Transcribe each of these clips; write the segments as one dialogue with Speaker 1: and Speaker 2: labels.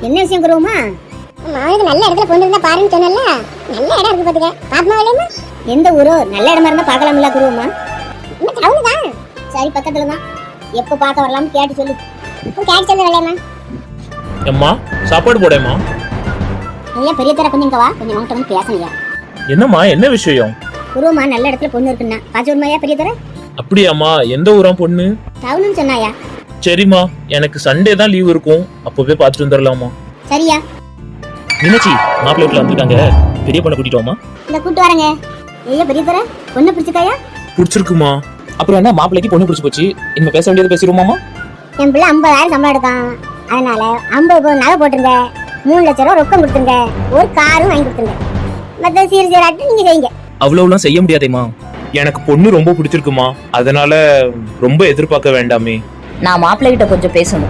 Speaker 1: என்ன விஷயம் குருவமா?
Speaker 2: மாவுக்கு நல்ல இடத்துல கொண்டு இருந்தா பாருன்னு சொன்னல, நல்ல இடம் இருக்கு பாத்துக்க. பாத்மா வேலையம்மா
Speaker 1: எந்த ஊரோ? நல்ல இடமா இருந்தா பார்க்கலாம்ல குருவமா?
Speaker 2: இந்த டவுன் தான்.
Speaker 1: சரி பக்கத்துல தான். எப்ப பார்க்க வரலாம்னு கேட்டு சொல்லு.
Speaker 2: கேட்டு சொல்லு வேலையம்மா.
Speaker 3: அம்மா சாப்பாடு போடேம்மா.
Speaker 1: ஐயா பெரிய தர கொஞ்சம் இங்க வா, கொஞ்சம் உன்கிட்ட வந்து பேசலையா?
Speaker 3: என்னம்மா என்ன விஷயம்?
Speaker 1: குருவமா நல்ல இடத்துல பொண்ணு இருக்குன்னா பாச்சு வருமாயா பெரிய தர?
Speaker 3: அப்படியாம்மா? எந்த ஊரா பொண்ணு?
Speaker 1: டவுன்னு சொன்னாயா?
Speaker 3: சரிம்மா, எனக்கு சண்டே தான் லீவ் இருக்கும், அப்பவே பார்த்துட்டு வந்துடலாமா?
Speaker 1: சரியா?
Speaker 3: மீனாட்சி மாப்பிள்ளை வீட்டுல வந்துருக்காங்க, பெரிய பொண்ணை கூட்டிட்டு வாமா.
Speaker 1: இந்த கூட்டு வரங்க. ஐயா பெரிய தர பொண்ணு பிடிச்சிருக்காயா?
Speaker 3: பிடிச்சிருக்குமா?
Speaker 4: அப்புறம் என்ன, மாப்பிள்ளைக்கு பொண்ணு பிடிச்சி போச்சு, இனிமே பேச வேண்டியது பேசிடுவோமாமா?
Speaker 1: என் பிள்ளை 50,000 சம்பளம் எடுக்கான், அதனால 50 பவுன் நகை போட்டுருங்க, 3 லட்சம் ரூபா ரொக்கம் கொடுத்துருங்க, ஒரு காரும் வாங்கி கொடுத்துருங்க. மற்ற சீராட்டு நீங்க செய்யுங்க.
Speaker 4: அவ்வளவுலாம் செய்ய முடியாதேமா.
Speaker 3: எனக்கு பொண்ணு ரொம்ப பிடிச்சிருக்குமா, அதனால ரொம்ப எதிர்பார்க்க வேண்டாமே.
Speaker 5: நான் மாப்பிள்ளை கிட்ட கொஞ்சம் பேசணும்.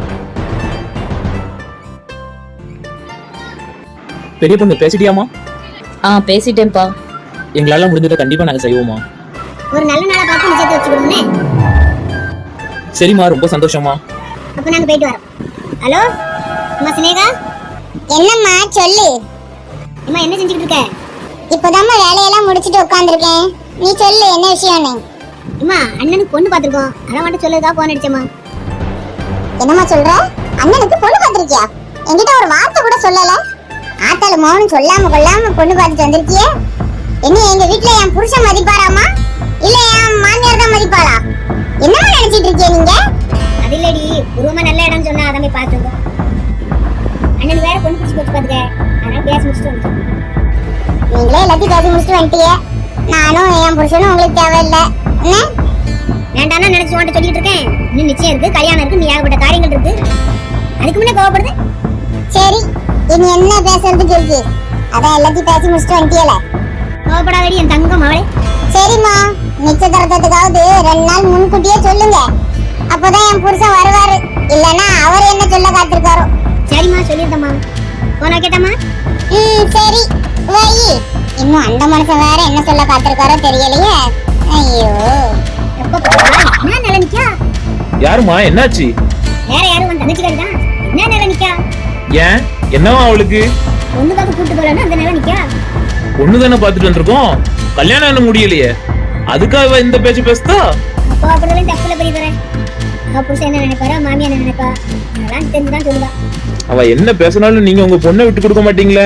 Speaker 4: பெரிய பொண்ணு பேசிட்டியாமா?
Speaker 5: பேசிட்டேன்ப்பா.
Speaker 4: எங்களால முடிஞ்சதை கண்டிப்பா நாங்க செய்வோமா.
Speaker 1: ஒரு நல்ல நாளா பார்த்து நிச்சயத்தை வச்சுக்கணும்னே.
Speaker 4: சரிம்மா, ரொம்ப சந்தோஷமா.
Speaker 1: அப்ப நாங்க போயிட்டு வரோம். ஹலோ அம்மா சினேகா.
Speaker 2: என்னம்மா சொல்லு.
Speaker 1: அம்மா என்ன செஞ்சுட்டு இருக்க?
Speaker 2: இப்போதாம்மா வேலையெல்லாம் முடிச்சிட்டு உட்காந்துருக்கேன். நீ சொல்லு என்ன விஷயம்னு.
Speaker 1: அம்மா அண்ணனுக்கு பொண்ணு பார்த்திருக்கோம், அதான் மட்டும் சொல்லதா போன் அடிச்சேம்மா.
Speaker 2: என்னம்மா சொல்ற? அண்ணனுக்கு பொண்ணு பார்த்திருக்கியா? என்கிட்ட ஒரு வார்த்தை கூட சொல்லல. ஆத்தால மௌனம் சொல்லாம கொள்ளாம பொண்ணு பார்த்துட்டு வந்திருக்கியே. என்ன எங்க வீட்டுல என் புருஷன் மதிப்பாராமா, இல்ல என் மாமியார் தான் மதிப்பாளா? என்னமா நினைச்சிட்டு இருக்கீங்க நீங்க?
Speaker 1: அது இல்லடி, குருவமா நல்ல இடம் சொன்னா அதை போய் பார்த்துருக்கோம். அண்ணனுக்கு வேற பொண்ணு பிடிச்சி போச்சு பாத்துக்க, அதனால பேச முடிச்சுட்டு வந்துட்டோம்.
Speaker 2: நீங்களே எல்லாத்தையும் பேசி முடிச்சுட்டு வந்துட்டீங்க. நானும் என் புருஷனும் உங்களுக்கு தேவையில்லை. என்ன
Speaker 1: வேண்டாம்னா நினைச்சு உன்கிட்ட சொல்லிட்டு இருக்கேன். இன்னும் நிச்சயம் இருக்கு, கல்யாணம் இருக்கு, நீ ஏகப்பட்ட காரியங்கள் இருக்கு, அதுக்கு முன்னே கோவப்படுது.
Speaker 2: சரி, இனி என்ன பேசுறதுக்கு இருக்கு? அதான் எல்லாத்தையும் பேசி முடிச்சுட்டு வந்துட்டீல.
Speaker 1: கோவப்படாதடி என் தங்கம் அவளே.
Speaker 2: சரிம்மா, நிச்சயதார்த்தத்துக்காவது 2 நாள் முன்கூட்டியே சொல்லுங்க. அப்பதான் என் புருஷன் வருவாரு, இல்லன்னா அவர் என்ன சொல்ல காத்திருக்காரோ.
Speaker 1: சரிம்மா சொல்லிருந்தம்மா. போனா கேட்டம்மா.
Speaker 2: சரி வை. இன்னும் அந்த மனுஷன் வேற என்ன சொல்ல காத்திருக்காரோ தெரியலையே. ஐயோ,
Speaker 1: எப்ப போறா? என்ன நிலை நிக்கா?
Speaker 3: யாருமா? என்னாச்சு?
Speaker 1: வேற யாரும் வந்து தங்கச்சிக்காரி தான். என்ன நிலை நிக்கா?
Speaker 3: ஏன் என்னவா அவளுக்கு?
Speaker 1: பொண்ணு பார்க்க கூட்டு போறேன்னு அந்த நிலை நிக்கா.
Speaker 3: பொண்ணு தானே பார்த்துட்டு வந்திருக்கோம், கல்யாணம் என்ன முடியலையே, அதுக்காக இந்த பேச்சு பேசுதா?
Speaker 1: அப்போ அப்படிதான் தப்புல போய் தரேன். அவ புருஷன் என்ன நினைப்பாரா, மாமியா என்ன நினைப்பா, அதெல்லாம் தெரிஞ்சுதான் சொல்லுவா.
Speaker 3: அவ என்ன பேசினாலும் நீங்க உங்க பொண்ணை விட்டு கொடுக்க மாட்டீங்களே.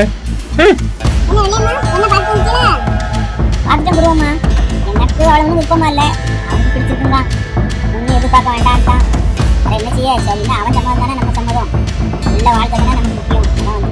Speaker 1: பார்த்துட்டு போடுவோமா? எனக்கு அவளை வந்து விருப்பமா இல்ல, அவனுக்கு பிடிச்சிருக்குதான், ஒன்னும் எதிர்பார்க்க வேண்டான்ட்டான். அதை என்ன செய்ய? சரின்னா அவன் சம்மதம் தானே நம்ம சம்மதம், நல்ல வாழ்க்கை தானே நமக்கு முக்கியம்.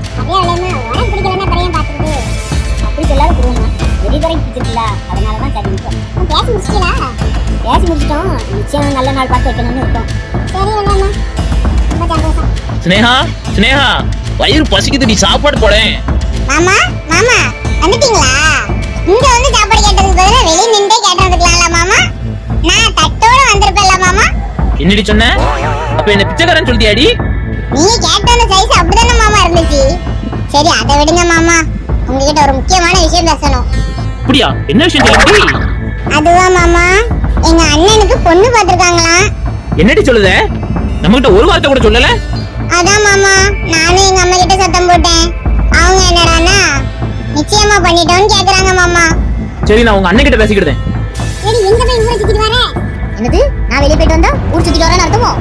Speaker 1: அப்படி சொல்லாத போடுவோமா, பெரிய வரைக்கும் பிடிச்சிருக்கல, அதனாலதான் சரி நிற்கும்.
Speaker 2: பேசி முடிச்சிட்டீங்களா?
Speaker 1: பேசி முடிச்சிட்டோம், நிச்சயம் நல்ல நாள் பார்த்து வைக்கணும்னு இருக்கோம்.
Speaker 2: சரி ரொம்ப சந்தோஷம்.
Speaker 4: ஸ்னேகா, ஸ்னேகா, வயிறு பசிக்குது, நீ சாப்பாடு போடேன்.
Speaker 2: மாமா மாமா வந்துட்டீங்களா? இங்க வந்து சாப்பாடு கேட்டதுக்கு பதிலா வெளிய நின்றே கேட்டதுக்கலாம்ல மாமா. நான் தட்டோட வந்திருப்பேன்ல மாமா.
Speaker 4: என்னடி சொன்ன? அப்ப என்ன பிச்சைக்காரன் சொல்லியாடி?
Speaker 2: நீங்க கேட்ட சைஸ் அப்படிதானே மாமா இருந்துச்சு. சரி அதை விடுங்க மாமா, உங்ககிட்ட ஒரு முக்கியமான விஷயம் பேசணும்.
Speaker 4: அப்படியா? என்ன விஷயம் சொல்லுடி?
Speaker 2: அதுவா மாமா, எங்க அண்ணனுக்கு பொண்ணு பார்த்திருக்காங்களாம்.
Speaker 4: என்னடி சொல்லுத? நம்ம கிட்ட ஒரு வார்த்தை கூட சொல்லல.
Speaker 2: அதான் மாமா, நானும் எங்க அம்மா கிட்ட சத்தம் போட்டேன். அவங்க என்னடானா நிச்சயமா பண்ணிட்டோம்னு கேக்குறாங்க மாமா.
Speaker 4: சரி, நான் உங்க அண்ணன் கிட்ட பேசிக்கிட்டேன்.
Speaker 2: சரி, எங்க போய் ஊரை சுத்திட்டு வர?
Speaker 1: என்னது? நான் வெளியே போயிட்டு வந்தா ஊர் சுத்திட்டு வரேன்னு அர்த்தமோ?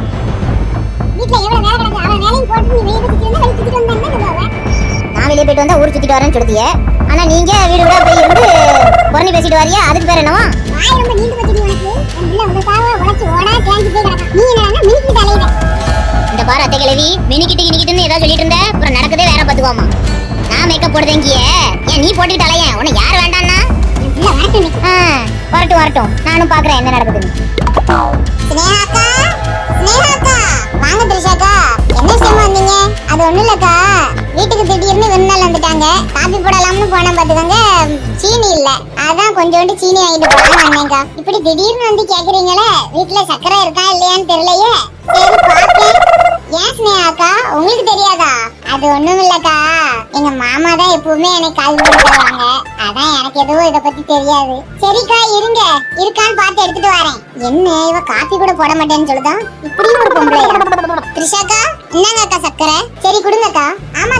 Speaker 2: வீட்ல எவ்வளவு வேலை கிடக்கு, அவன் வேலையும் போட்டு நீ வெளியே சுத்திட்டு வந்தா வெளியே சுத்திட்டு வந்தா என்ன சொல்லுவாங்க?
Speaker 1: நான் வெளியே போயிட்டு வந்தா ஊர் சுத்திட்டு வரேன்னு சொல்லுதிய, ஆனா நீங்க வீடு வீடா போய் இருந்து புறணி பேசிட்டு வரியா, அதுக்கு பேர் என்னவா?
Speaker 2: வாய் ரொம்ப நீண்டு போச்சுடி உனக்கு. என் பிள்ளை உனக்காக உழைச்சு ஓடா தேஞ்சு போய் கிடக்கான். நீ என்னன்னா மினிக்கிட்டு அலையுற.
Speaker 1: இந்த பாரு அத்தை கிழவி, மினிக்கிட்டுன்னு ஏதாவது சொல்லிட்டு இருந்த, அப்புறம் நடக்கதே வேற பாத்துக்குவாமா. நான் மேக்கப் போடுதேங்கிய, ஏன் நீ போட்டுக்கிட்டு அலைய? உன்னை யார் வேண்டான்னா?
Speaker 2: என் பிள்ளை வரட்டும் இன்னைக்கு.
Speaker 1: வரட்டும் வரட்டும், நானும் பாக்குறேன் என்ன நடக்குதுன்னு.
Speaker 2: ஸ்னேகாக்கா, ஸ்னேகாக்கா, வாங்க திரிஷாக்கா. என்ன விஷயமா வந்தீங்க? அது ஒண்ணும் இல்லக்கா, வீட்டுக்கு திடீர்னு விருந்தாள் வந்துட்டாங்க. காபி போடலாம்னு போன பாத்துக்கோங்க, சீனி இல்ல. அதான் கொஞ்சோண்டு சீனி வாங்கிட்டு போலாம்னு வந்தேன்க்கா. இப்படி திடீர்னு வந்து கேக்குறீங்களே, வீட்டுல சக்கரை இருக்கா இல்லையான்னு தெரியலையே. சரி பாக்கேன். ஏன் ஸ்னேகாக்கா, உங்களுக்கு தெரியாதா? அது ஒண்ணும் இல்லக்கா, எங்க மாமா தான் எப்பவுமே எனக்கு கால் பண்ணி தருவாங்க. அதான் எனக்கு எதுவும் இத பத்தி தெரியாது. சரிக்கா இருங்க, இருக்கான்னு பார்த்து எடுத்துட்டு வரேன். என்ன இவ காபி கூட போட மாட்டேன்னு சொல்லுதா? இப்படியும் ஒரு பொம்பளை. திரிஷாக்கா, இந்தாங்கக்கா சக்கரை. சரி கொடுங்கக்கா. ஆமா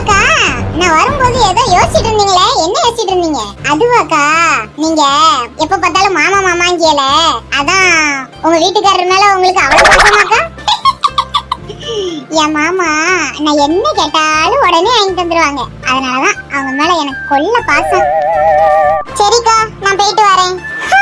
Speaker 2: யோசிச்சுட்டு இருந்தீங்களே, என்ன யோசிச்சுட்டு இருந்தீங்க? அதுவாக்கா, நீங்க எப்ப பார்த்தாலும் மாமா மாமாங்கியல, அதான் உங்க வீட்டுக்காரர் மேல உங்களுக்கு அவ்வளவு பாசமாக்கா? என் மாமா நான் என்ன கேட்டாலும் உடனே வாங்கி தந்துருவாங்க. அதனாலதான் அவங்க மேல எனக்கு கொள்ள பாசம். சரிக்கா, நான் போயிட்டு வரேன்.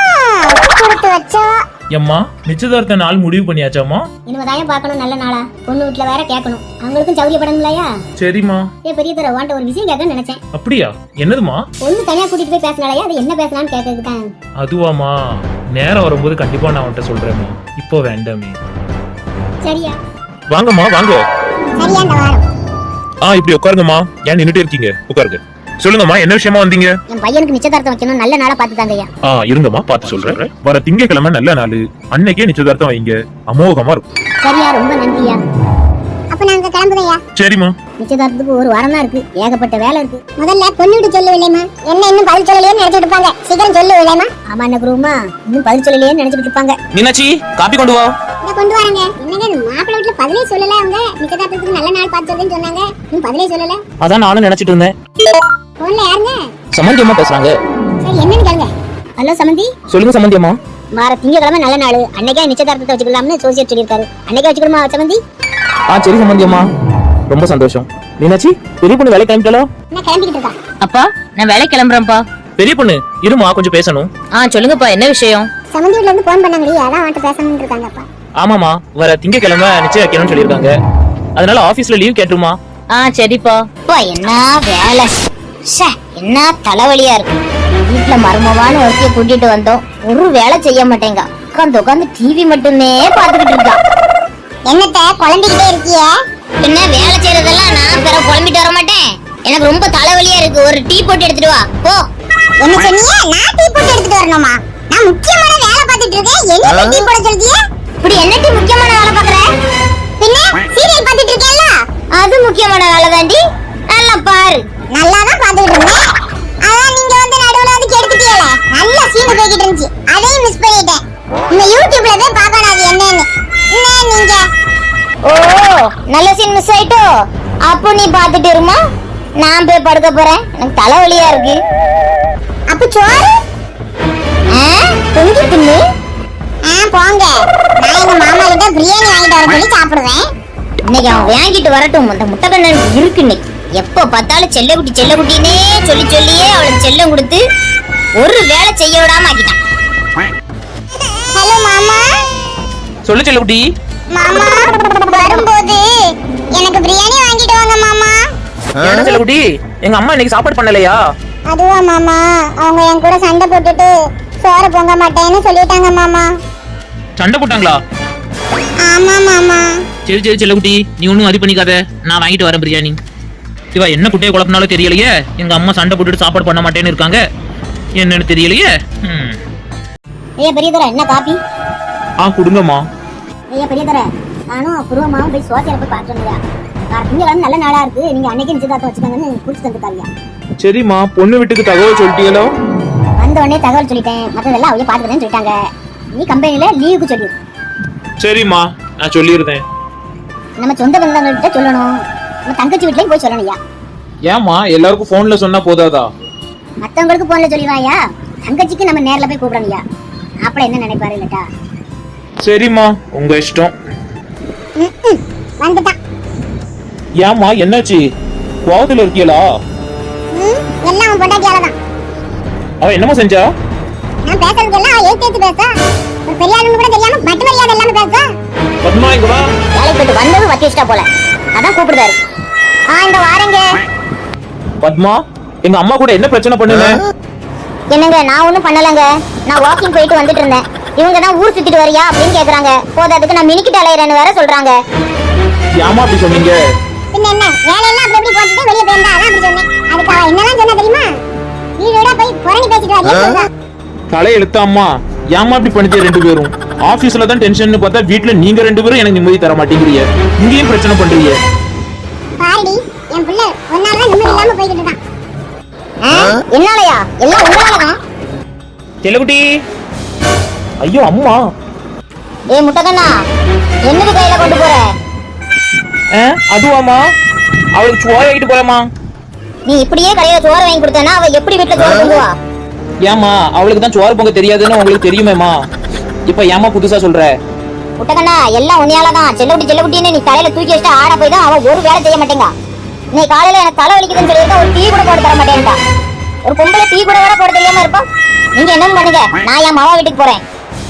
Speaker 2: கொடுத்து வச்சா
Speaker 3: எம்மா நிச்சயதார்த்த நாள் முடிவு பண்ணியாச்சாமா?
Speaker 1: இனிமேதான் பார்க்கணும் நல்ல நாளா. பொண்ணு வீட்டுல வேற கேட்கணும், அவங்களுக்கும் சௌரியப்படணும்லையா?
Speaker 3: சரிம்மா.
Speaker 1: பெரிய தர வாண்ட ஒரு விஷயம் கேட்க நினைச்சேன்.
Speaker 3: அப்படியா? என்னதுமா?
Speaker 1: பொண்ணு தனியா கூட்டிட்டு போய் பேசினாலயா, அது என்ன பேசலாம்னு கேட்கறதுக்கு தான்.
Speaker 3: அதுவாமா, நேரம் வரும்போது கண்டிப்பா நான் அவன்கிட்ட சொல்றேம்மா, இப்போ வேண்டாமே.
Speaker 1: சரியா?
Speaker 3: வாங்கம்மா வாங்க.
Speaker 2: சரியா இந்த வாரம்
Speaker 3: இப்படி உட்காருங்கம்மா. ஏன் நின்னுட்டே இருக்கீங்க? உட்காருங்க. சொல்லுங்கம்மா, என்ன விஷயமா வந்தீங்க?
Speaker 1: என் பையனுக்கு நிச்சயதார்த்தம் வைக்கணும், நல்ல நாளா பார்த்து தாங்கய்யா.
Speaker 3: இருங்கம்மா, பார்த்து சொல்றேன். வர திங்கட்கிழமை நல்ல நாள், அன்னைக்கே நிச்சயதார்த்தம் வைங்க, அமோகமா இருக்கும்.
Speaker 1: சரியா, ரொம்ப நன்றியா.
Speaker 2: அப்ப நாங்க கிளம்புறோம்யா.
Speaker 3: சரிம்மா.
Speaker 1: நிச்சயதார்த்தத்துக்கு ஒரு வாரம் தான் இருக்கு, ஏகப்பட்ட வேலை இருக்கு.
Speaker 2: முதல்ல பொண்ணு வீட்டு சொல்லு விலைமா, என்ன இன்னும் பதில் சொல்லலையே நினைச்சிட்டு இருப்பாங்க. சீக்கிரம் சொல்லு விலைமா.
Speaker 1: ஆமா என்ன குருமா, இன்னும் பதில் சொல்லலையே நினைச்சிட்டு இருப்பாங்க.
Speaker 4: மீனாட்சி காப்பி கொண்டு வா.
Speaker 2: இத கொண்டு வரங்க. என்னங்க மாப்பிள்ளை வீட்டுல பதிலே சொல்லல, அவங்க நிச்சயதார்த்தத்துக்கு நல்ல நாள் பார்த்து சொல்லுன்னு சொன்னாங்க, இன்னும் பதிலே சொல்லல.
Speaker 4: அதான் நானும் நினைச்சிட்டு இருந்தேன்.
Speaker 2: போன்ல யாருங்க?
Speaker 4: சமந்தி அம்மா பேசுறாங்க.
Speaker 2: சரி என்னன்னு கேளுங்க.
Speaker 1: ஹலோ சமந்தி.
Speaker 4: சொல்லுங்க சமந்தி அம்மா.
Speaker 1: வார திங்கக்கிழமை நல்ல நாள், அன்னைக்கே நிச்சயதார்த்தத்தை வச்சுக்கலாம்னு சோசியர் சொல்லியிருக்காரு. அன்னைக்கே வச்சுக்கணுமா சமந்தி?
Speaker 4: சரி சமந்தி அம்மா, ரொம்ப சந்தோஷம். மீனாட்சி, பெரிய பொண்ணு வேலை கிளம்பிட்டாலோ?
Speaker 2: நான் கிளம்பிக்கிட்டு இருக்கேன்.
Speaker 5: அப்பா நான் வேலை கிளம்புறேன்ப்பா.
Speaker 4: பெரிய பொண்ணு இருமா, கொஞ்சம் பேசணும்.
Speaker 5: சொல்லுங்கப்பா, என்ன விஷயம்?
Speaker 2: சமந்தி வீட்ல இருந்து போன் பண்ணாங்கடி, அதான் அவன்கிட்ட பேசணும்னு இருக்காங்கப்பா.
Speaker 4: ஆமாமா, வர திங்கக்கிழமை நிச்சயம் வைக்கணும்னு சொல்லியிருக்காங்க. அதனால ஆபீஸ்ல லீவ் கேட்டுருமா?
Speaker 5: சரிப்பா.
Speaker 1: அப்பா என்ன வேலை, என்ன தலைவலியா இருக்கு. வீட்டுல மருமவான ஒருத்திய கூட்டிட்டு வந்தோம், ஒரு வேலை செய்ய மாட்டேங்க. உட்காந்து உட்காந்து டிவி மட்டுமே பாத்துக்கிட்டு இருக்கான்.
Speaker 2: என்னத்த குழம்பிக்கிட்டே இருக்கிய?
Speaker 1: என்ன வேலை செய்யறதெல்லாம் நான் பிற குழம்பிட்டு வர மாட்டேன். எனக்கு ரொம்ப தலைவலியா இருக்கு, ஒரு டீ போட்டு எடுத்துட்டு வா போ.
Speaker 2: என்ன சொன்னீங்க? நான் டீ போட்டு எடுத்துட்டு வரணுமா? நான் முக்கியமான வேலை பார்த்துட்டு இருக்கேன், என்ன டீ போட சொல்றீங்க?
Speaker 1: இப்படி என்ன டீ முக்கியமான வேலை பாக்குற?
Speaker 2: பின்ன சீரியல் பார்த்துட்டு இருக்கேன்ல,
Speaker 1: அது முக்கியமான வேலை தாண்டி, நல்லா பாரு.
Speaker 2: நல்லா தான் பார்த்துட்டு இருந்தேன். அதான் நீங்க வந்து நடுவுல வந்து கெடுத்துட்டீங்களே, நல்ல சீன் போய்கிட்டு இருந்துச்சு, அதையும் மிஸ் பண்ணிட்டேன். இந்த யூடியூப்ல போய் பார்க்கணும் அது என்னன்னு. என்ன நீங்க?
Speaker 1: ஓ, நல்ல சீன் மிஸ் ஆயிட்டோ? அப்போ நீ பாத்துட்டு இருமா, நான் போய் படுக்க போறேன், எனக்கு தலைவலியா இருக்கு.
Speaker 2: அப்ப சோறு
Speaker 1: பொங்கி தின்னு.
Speaker 2: போங்க, நான் எங்க மாமா கிட்ட பிரியாணி வாங்கிட்டு வர சொல்லி சாப்பிடுவேன்.
Speaker 1: இன்னைக்கு அவன் வாங்கிட்டு வரட்டும், அந்த முட்டை கண்ணன் இருக்கு இன்னைக்கு. எப்ப பார்த்தாலும் செல்லக்குட்டினே சொல்லி சொல்லியே அவளுக்கு செல்லம் கொடுத்து ஒரு வேலை செய்ய விடாம ஆக்கிட்டான்.
Speaker 2: ஹலோ மாமா.
Speaker 4: சொல்லு செல்லக்குட்டி.
Speaker 2: மாமா வரும்போது எனக்கு பிரியாணி வாங்கிட்டு வாங்க மாமா.
Speaker 4: என்ன செல்லக்குட்டி, எங்க அம்மா இன்னைக்கு சாப்பாடு பண்ணலையா?
Speaker 2: அதுவா மாமா, அவங்க என் கூட சண்டை போட்டுட்டு சோறு பொங்க மாட்டேன்னு சொல்லிட்டாங்க மாமா.
Speaker 4: சண்டை போட்டாங்களா?
Speaker 2: ஆமா மாமா.
Speaker 4: சரி சரி செல்லக்குட்டி, நீ ஒன்னும் அது பண்ணிக்காத, நான் வாங்கிட்டு வரேன் பிரியாணி. இவா என்ன குட்டையை குழப்பினாலும் தெரியலையே, எங்க அம்மா சண்டை போட்டுட்டு சாப்பாடு பண்ண மாட்டேன்னு இருக்காங்க, என்னன்னு தெரியலையே.
Speaker 1: ஐயா பெரியதர, என்ன காப்பி?
Speaker 3: கொடுங்கம்மா.
Speaker 1: ஐயா பெரியதர, நானும் புருவமாவும் போய் சோசியரை போய் பார்த்து வந்தேன். திங்கக்கிழமை நல்ல நாளா இருக்கு, நீங்க அன்னைக்கு நிச்சயதார்த்தம் வச்சுக்கோங்கன்னு குடிச்சு தந்துட்டாங்க.
Speaker 3: சரிம்மா, பொண்ணு வீட்டுக்கு தகவல் சொல்லிட்டீங்களோ?
Speaker 1: வந்த உடனே தகவல் சொல்லிட்டேன், மற்றதெல்லாம் அவங்க பாத்துக்கிறேன்னு சொல்லிட்டாங்க. நீ கம்பெனில லீவுக்கு சொல்லி.
Speaker 3: சரிம்மா, நான் சொல்லிடுறேன்.
Speaker 1: நம்ம சொந்த பந்தங்கள்கிட்ட சொல்லணும், நம்ம தங்கச்சி வீட்லயும் போய் சொல்லணும். ஐயா
Speaker 3: ஏம்மா, எல்லாருக்கும் போன்ல சொன்னா போதாதா?
Speaker 1: மத்தவங்களுக்கு போன்ல சொல்லிடுவாயா, தங்கச்சிக்கு நம்ம நேர்ல போய் கூப்பிடணும்யா. அப்படி என்ன நினைப்பாரு இல்லட்டா?
Speaker 3: சரிம்மா, உங்க இஷ்டம்.
Speaker 2: வந்துட்டான்.
Speaker 3: ஏம்மா, என்னாச்சு? கோவத்துல இருக்கீங்களா?
Speaker 2: எல்லாம் அவன் பொண்டாட்டியால தான்.
Speaker 3: அவ என்னமா செஞ்சா?
Speaker 2: நான் பேசுறதுக்கெல்லாம் அவ ஏத்து பேசா, ஒரு பெரிய ஆளுன்னு கூட தெரியாம மட்டு மரியாதை எல்லாமே பேசா.
Speaker 3: பத்மா, இங்க வா.
Speaker 1: வேலைக்கு போயிட்டு வந்தது வத்தி வச்சிட்டா போல, அதான் கூப்பிடுதாரு. இந்த வாரங்க.
Speaker 3: பத்மா, எங்க அம்மா கூட என்ன பிரச்சனை பண்ணுங்க?
Speaker 1: என்னங்க, நான் ஒண்ணும் பண்ணலங்க, நான் வாக்கிங் போயிட்டு வந்துட்டு இருந்தேன். இவங்க தான் ஊர் சுத்திட்டு வரியா அப்படின்னு கேக்குறாங்க. போதாதுக்கு நான் மினிக்கிட்டு அலையறேன்னு வேற சொல்றாங்க.
Speaker 3: ஏமா அப்படி சொன்னீங்க?
Speaker 2: பின்ன என்ன, வேலையெல்லாம் அப்படி போட்டுட்டு வெளிய போயிருந்தா அதான் அப்படி சொன்னேன். அதுக்கு அவ என்னலாம் சொன்னா தெரியுமா? வீடோட போய் புரணி பேசிட்டு வரியா?
Speaker 3: தலை எழுத்தாம்மா, ஏமா அப்படி பண்ணிட்டு ரெண்டு பேரும்? ஆபீஸ்ல தான் டென்ஷன் பார்த்தா வீட்ல நீங்க ரெண்டு பேரும் எனக்கு நிம்மதி தர மாட்டேங்கிறீங்க, இங்கேயும் பிரச்சனை பண்றீங்க.
Speaker 2: பாருடி, என் பிள்ளை ஒன்னால நிம்மதி இல்லாம போயிட்டு இருக்கான்.
Speaker 1: என்னாலயா? எல்லாம் உங்களாலதான்.
Speaker 4: செல்லக்குட்டி.
Speaker 3: ஐயோ அம்மா.
Speaker 1: முட்டகண்ணா, என்னது கையில கொண்டு போற?
Speaker 4: அதுவாமா, அவளுக்கு சோறு ஆகிட்டு போறேம்மா.
Speaker 2: நீ இப்படியே கடையில சோறு வாங்கி கொடுத்தனா அவ எப்படி வீட்டுல சோறு பொங்குவா?
Speaker 3: ஏமா அவளுக்கு தான் சோறு பொங்க தெரியாதுன்னு உங்களுக்கு தெரியுமேமா, இப்ப ஏமா புதுசா சொல்ற?
Speaker 2: புட்டகண்ணா எல்லாம் உன்னையாலதான். செல்லகுட்டின்னு நீ தலையில தூக்கி வச்சுட்டு ஆட போய் தான் அவ ஒரு வேலை செய்ய மாட்டேங்க. நீ காலையில எனக்கு தலை வலிக்குதுன்னு சொல்லியிருக்கா, ஒரு டீ கூட போட்டு தர மாட்டேன்டா. ஒரு பொம்பளை டீ கூட வேற போட தெரியாம இருப்பா. நீங்க என்ன பண்ணுங்க, நான் என் மாவா வீட்டுக்கு போறேன்.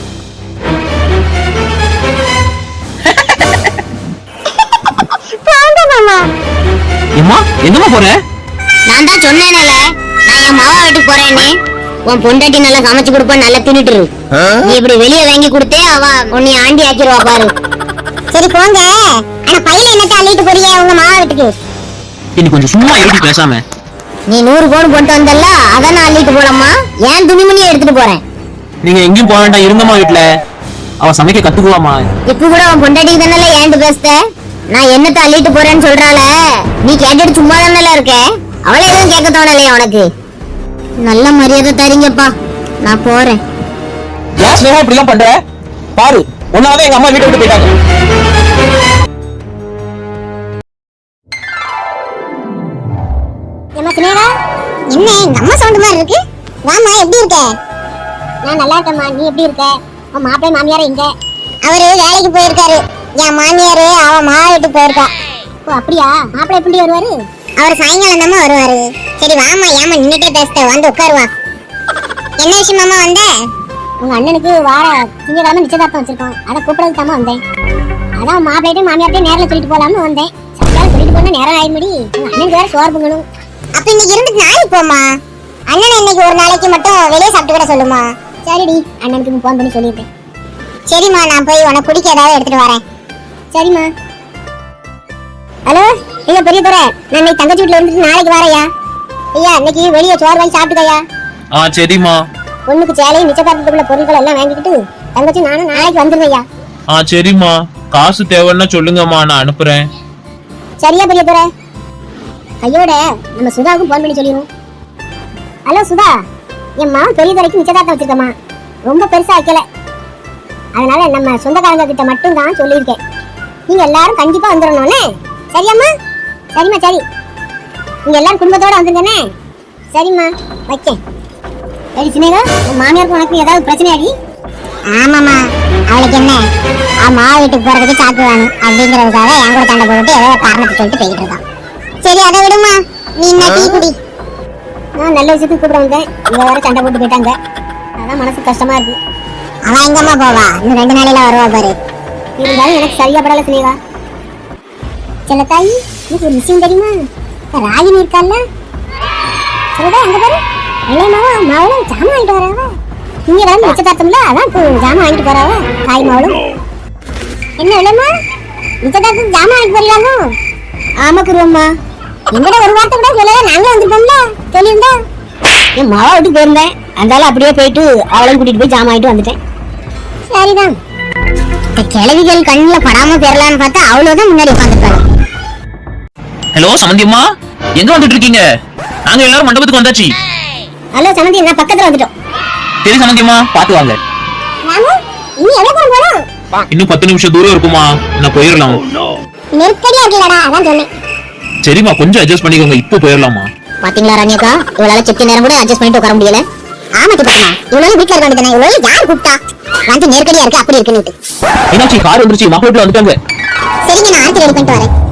Speaker 4: ஏம்மா எங்கம்மா போற?
Speaker 2: நான் தான் சொன்னேனே நான் என் மாவா வீட்டுக்கு போறேன்னு. உன் பொண்டாட்டி நல்லா சமைச்சு கொடுப்பா, நல்லா தின்னுட்டு இரு. நீ இப்படி வெளிய வாங்கி கொடுத்தே அவ உன்னை ஆண்டி ஆக்கிடுவா பாரு. சரி போங்க. ஆனா பையில என்னத்த அள்ளிட்டு போறியா உங்க மாவா வீட்டுக்கு?
Speaker 4: இன்னி கொஞ்சம் சும்மா எழுதி பேசாம.
Speaker 2: நீ 100 பவுன் போட்டு வந்தல்ல, அத நான் அள்ளிட்டு போலம்மா. ஏன் துணிமணியை எடுத்துட்டு போறேன்.
Speaker 4: நீங்க எங்கேயும் போக வேண்டாம், இருங்கம்மா வீட்டுல. அவ சமைக்க கத்துக்குவாமா.
Speaker 2: இப்ப கூட உன் பொண்டாட்டிக்கு தானே ஏன்ட்டு பேசுத? நான் என்னத்த அள்ளிட்டு போறேன்னு சொல்றாள, நீ கேட்டுட்டு சும்மா தானே இருக்க. அவளை எதுவும் கேட்க தோணலையா உனக்கு? நல்ல மரியாதை தரீங்கப்பா, நான் போறேன்.
Speaker 3: ஏன் ஸ்னேகா இப்படி எல்லாம் பண்ற? பாரு, உன்னாலதான் எங்க அம்மா வீட்டை விட்டு போயிட்டாங்க.
Speaker 2: ஏமா சினேகா, என்ன எங்க அம்மா சவுண்ட் மாதிரி இருக்கு? வாமா, எப்படி இருக்க? நான் நல்லா இருக்கேம்மா, நீ எப்படி இருக்க? உன் மாப்பிள்ளை மாமியார் எங்க? அவரு வேலைக்கு போயிருக்காரு. என் மாமியாரு அவ மாவா வீட்டுக்கு போயிருக்கா. ஓ அப்படியா? மாப்பிள்ளை எப்படி வருவாரு? அவர் சாயங்காலம் தான் வருவாரு. சரி வாமா, ஏமா நின்னுட்டே பேசுற, வந்து உட்காருவா. என்ன விஷயமாமா வந்த? உங்க அண்ணனுக்கு வார திங்கக்கிழமை நிச்சயதார்த்தம் வச்சிருக்கோம், அதை கூப்பிடறதுக்கு தாமா வந்தேன். அதான் மாப்பிள்ளைட்டையும் மாமியார்ட்டையும் நேரில் சொல்லிட்டு போலாம்னு வந்தேன். சாயங்காலம் சொல்லிட்டு போனா நேரம் ஆயிடுமடி. உங்க அண்ணனுக்கு வேற சோறு பொங்கணும். அப்ப இன்னைக்கு இருந்துட்டு நாளைக்கு போமா. அண்ணனை இன்னைக்கு ஒரு நாளைக்கு மட்டும் வெளியே சாப்பிட்டு கூட சொல்லுமா. சரிடி, அண்ணனுக்கு போன் பண்ணி சொல்லியிருக்கேன். சரிம்மா, நான் போய் உனக்கு குடிக்க ஏதாவது எடுத்துட்டு வரேன். சரிம்மா. ஹலோ, ஐயா பெரிய துறை, நான் இன்னைக்கு தங்கச்சி வீட்டுல இருந்துட்டு நாளைக்கு வரேயா. ஐயா இன்னைக்கு வெளியே சோறு வாங்கி சாப்பிட்டுக்கையா.
Speaker 4: சரிம்மா.
Speaker 2: பொண்ணுக்கு சேலையும் நிச்சயதார்த்தத்துக்குள்ள பொருட்கள் எல்லாம் வாங்கிக்கிட்டு தங்கச்சி நானும் நாளைக்கு வந்துருவையா.
Speaker 4: சரிம்மா, காசு தேவைன்னா சொல்லுங்கம்மா, நான் அனுப்புறேன்.
Speaker 2: சரியா பெரிய துறை. கையோட நம்ம சுதாவுக்கும் போன் பண்ணி சொல்லிடுவோம். ஹலோ சுதா, என் மாவன் பெரிய துறைக்கு நிச்சயதார்த்தம் வச்சிருக்கமா, ரொம்ப பெருசா வைக்கல. அதனால நம்ம சொந்தக்காரங்க கிட்ட மட்டும் தான் சொல்லியிருக்கேன். நீங்க எல்லாரும் கண்டிப்பா வந்துடணும்னே. சரியாம்மா? சரிம்மா சரி, நீங்க எல்லாரும் குடும்பத்தோட வந்துருங்கண்ணே. சரிம்மா, வைக்கேன். சரி சினேகா, உன் மாமியாருக்கு உனக்கு ஏதாவது பிரச்சனையாடி? ஆமாம்மா, அவளுக்கு என்ன, அவன் மாவா வீட்டுக்கு போறதுக்கு சாக்கு வேணும் அப்படிங்கிறதுக்காக என் கூட சண்டை போட்டு ஏதோ காரணத்தை சொல்லிட்டு போய்கிட்டு இருக்கான். சரி அதை விடுமா, நீ என்ன டீ குடி. நான் நல்ல விஷயத்துக்கு கூப்பிட வந்தேன், இவ வேற சண்டை போட்டு போயிட்டாங்க. அதான் மனசு கஷ்டமா இருக்கு. அவன் எங்கம்மா போவா, இன்னும் 2 நாளையில வருவா பாரு. இருந்தாலும் எனக்கு சரியா படல சினேகா. சில தாய், எனக்கு ஒரு விஷயம் தெரியுமா? ராகினி இருக்கால, சொல்லுடா அங்க பாரு, இளையமாவா மாவளும் ஜாமான் வாங்கிட்டு வராவ. இங்க வந்து நிச்சயதார்த்தம்ல, அதான் இப்போ ஜாமான் வாங்கிட்டு போறாவ தாய் மாவளும். என்ன இளையமா, நிச்சயதார்த்தம் ஜாமான் வாங்கிட்டு போறீங்களோ? ஆமா குருவம்மா, எங்கட ஒரு வார்த்தை கூட சொல்லல, நாங்களும் வந்துட்டோம்ல. சொல்லியிருந்தா என் மாவா வீட்டுக்கு போயிருந்தேன், அதனால அப்படியே போயிட்டு அவளையும் கூட்டிட்டு போய் ஜாமான் வாங்கிட்டு வந்துட்டேன். சரிதான். இந்த கிழவிகள் கண்ணுல படாம பெறலான்னு பார்த்தா அவ்வளவுதான் முன்னாடி உட்காந்துருக்காங்க.
Speaker 4: ஹலோ சமந்தியம்மா, எங்க வந்துட்டு இருக்கீங்க? நாங்க எல்லாரும் மண்டபத்துக்கு வந்தாச்சு.
Speaker 2: ஹலோ சமந்தி, நான் பக்கத்துல வந்துட்டோம்.
Speaker 4: சரி சமந்தியம்மா, பாத்து வாங்க.
Speaker 2: ராமு, இனி எவ்வளவு தூரம் போறோம்?
Speaker 4: இன்னும் 10 நிமிஷம் தூரம் இருக்குமா, நான் போயிடலாம்.
Speaker 2: நெருக்கடியா இருக்கலடா, அதான் சொன்னேன்.
Speaker 4: சரிம்மா, கொஞ்சம் அட்ஜஸ்ட் பண்ணிக்கோங்க, இப்போ போயிடலாமா?
Speaker 2: பாத்தீங்களா ராணியக்கா, இவளால செட்டி நேரம் கூட அட்ஜஸ்ட் பண்ணிட்டு உட்கார முடியல. ஆமா சித்தம்மா, இவ்வளவு வீட்டுல இருக்க வேண்டியதானே, இவ்வளவு யார் கூப்பிட்டா? வந்து நெருக்கடியா இருக்கு அப்படி இருக்குன்னு.
Speaker 4: என்னாச்சு, கார் வந்துருச்சு, மாப்பிள்ளை வீட்டுல வந்துட்டாங்க.
Speaker 2: சரிங்க, நான் ஆர்த்தி ரெடி பண்ணிட்டு வரேன்.